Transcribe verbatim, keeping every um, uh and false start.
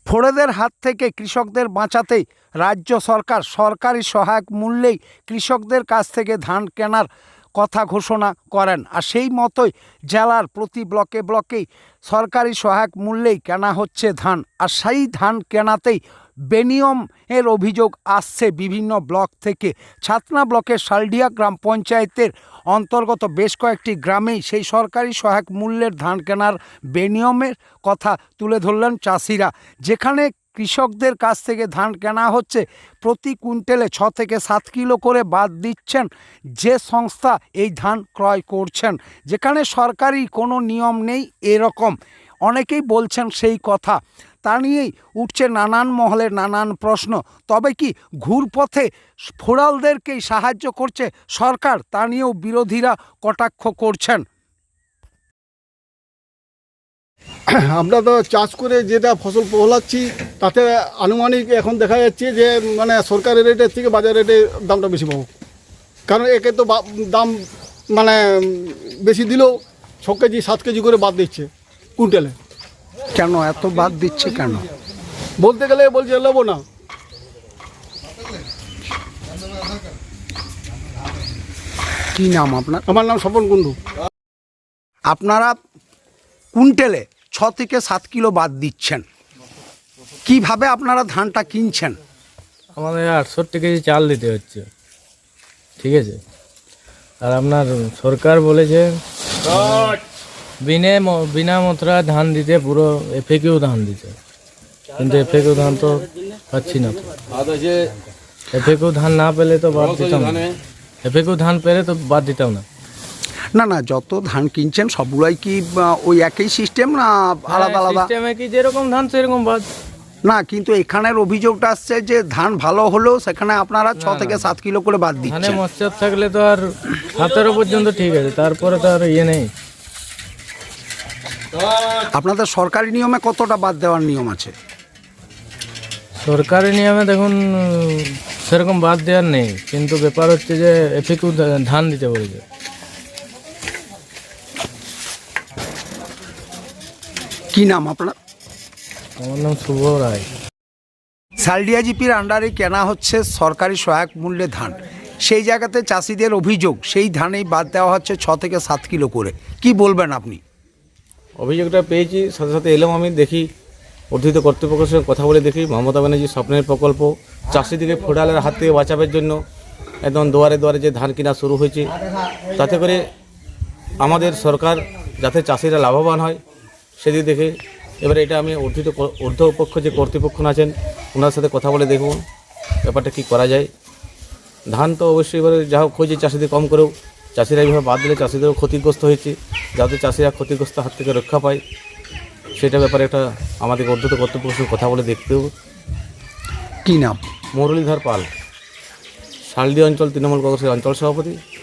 ফোড়েদের হাত থেকে কৃষকদের বাঁচাতেই রাজ্য সরকার সরকারি সহায়ক মূল্যেই কৃষকদের কাছ থেকে ধান কেনার কথা ঘোষণা করেন। আর সেই মতোই জেলার প্রতি ব্লকে ব্লকেই সরকারি সহায়ক মূল্যেই কেনা হচ্ছে ধান। আর সেই ধান কেনাতেই বেনিয়ম এর অভিযোগ আসছে বিভিন্ন ব্লক থেকে। ছাতনা ব্লকের শালডিয়া গ্রাম পঞ্চায়েতের অন্তর্গত বেশ কয়েকটি গ্রামেই সেই সরকারি সহায়ক মূল্যের ধান কেনার বেনিয়মের কথা তুলে ধরলেন চাষিরা। যেখানে কৃষকদের কাছ থেকে ধান কেনা হচ্ছে প্রতি কুইন্টালে ছ থেকে সাত কিলো করে বাদ দিচ্ছেন যে সংস্থা এই ধান ক্রয় করছেন। যেখানে সরকারি কোনো নিয়ম নেই এরকম অনেকেই বলছেন সেই কথা। তা নিয়েই উঠছে নানান মহলের নানান প্রশ্ন। তবে কি ঘুরপথে ফোড়ালদেরকেই সাহায্য করছে সরকার, তা নিয়েও বিরোধীরা কটাক্ষ করছেন। আমরা তো চাষ করে যেটা ফসল ফলাচ্ছি তাতে আনুমানিক এখন দেখা যাচ্ছে যে মানে সরকারি রেটের থেকে বাজার রেটে দামটা বেশি পাবো। কারণ একে তো দাম মানে বেশি দিলেও ছ কেজি সাত কেজি করে বাদ দিচ্ছে কুইন্টালে। কেন এত বাদ দিচ্ছে কেন বলতে গেলে বলছে নেবো না। কি নাম আপনার? আমার নাম স্বপন কুণ্ডু। আপনারা কুইন্টালে ছ থেকে সাত কিলো বাদ দিচ্ছেন, কিভাবে আপনারা ধানটা কিনছেন? আমাদের আটষট্টি কেজি চাল দিতে হচ্ছে, ঠিক আছে। আর আপনার সরকার বলেছে বিনে বিনা মতরা ধান দিতে, পুরো এফএকিউ ধান দিতে, কিন্তু এফএকিউ ধান তো পাচ্ছি না। এফএকিউ ধান না পেলে তো বাদ দিতাম না, এফএকিউ ধান পেলে তো বাদ দিতাম না। না না, যত ধান কিনছেন সবগুলাই কি ওই একই সিস্টেম না আলাদা আলাদা? সিস্টেমে কি যেরকম ধান সেরকম বাদ না, কিন্তু এখানের অভিযোগটা আসছে যে ধান ভালো হলেও সেখানে আপনারা ছ থেকে সাত কিলো করে বাদ ধানে দিচ্ছেন। মচ্ছর থাকলে তো আর সতেরো পর্যন্ত ঠিক আছে, তারপরে তো আর ইয়ে নেই। আপনাদের সরকারি নিয়মে কতটা বাদ দেওয়ার নিয়ম আছে? সরকারি নিয়মে দেখুন সেরকম বাদ দেওয়ার নেই, কিন্তু ব্যাপার হচ্ছে যে এফএকিউ ধান দিতে বলেছে। কি নাম আপনার? আমার নাম শুভ রায়। শালডিয়া জিপির আন্ডারে কেনা হচ্ছে সরকারি সহায়ক মূল্যে ধান। সেই জায়গাতে চাষিদের অভিযোগ সেই ধানেই বাদ দেওয়া হচ্ছে ছ থেকে সাত কিলো করে। কি বলবেন আপনি? অভিযোগটা পেয়েছি, সাথে সাথে এলাম, আমি দেখি অর্ধিত কর্তৃপক্ষের সঙ্গে কথা বলে দেখি মমতা ব্যানার্জি স্বপ্নের প্রকল্প চাষিদিকে ফোড়ালের হাত থেকে বাঁচাবার জন্য একদম দুয়ারে দুয়ারে যে ধান কেনা শুরু হয়েছে, তাতে করে আমাদের সরকার যাতে চাষিরা লাভবান হয় সেদিক দেখে এবারে এটা আমি অর্ধিত ঊর্ধ্বপক্ষ যে কর্তৃপক্ষ আছেন ওনার সাথে কথা বলে দেখব ব্যাপারটা কী করা যায়। ধান তো অবশ্যই এবারে যা হোক হয়েছে চাষিদের কম করেও, চাষিরা এইভাবে বাদ দিলে চাষিদেরও ক্ষতিগ্রস্ত হয়েছে, যাতে চাষিরা ক্ষতিগ্রস্ত হাত থেকে রক্ষা পায় সেটা ব্যাপারে একটা আমাদের অর্ধিত কর্তৃপক্ষের সঙ্গে কথা বলে দেখতেও। কি নাম? মুরলীধর পাল, শালডি অঞ্চল তৃণমূল কংগ্রেসের অঞ্চল সভাপতি।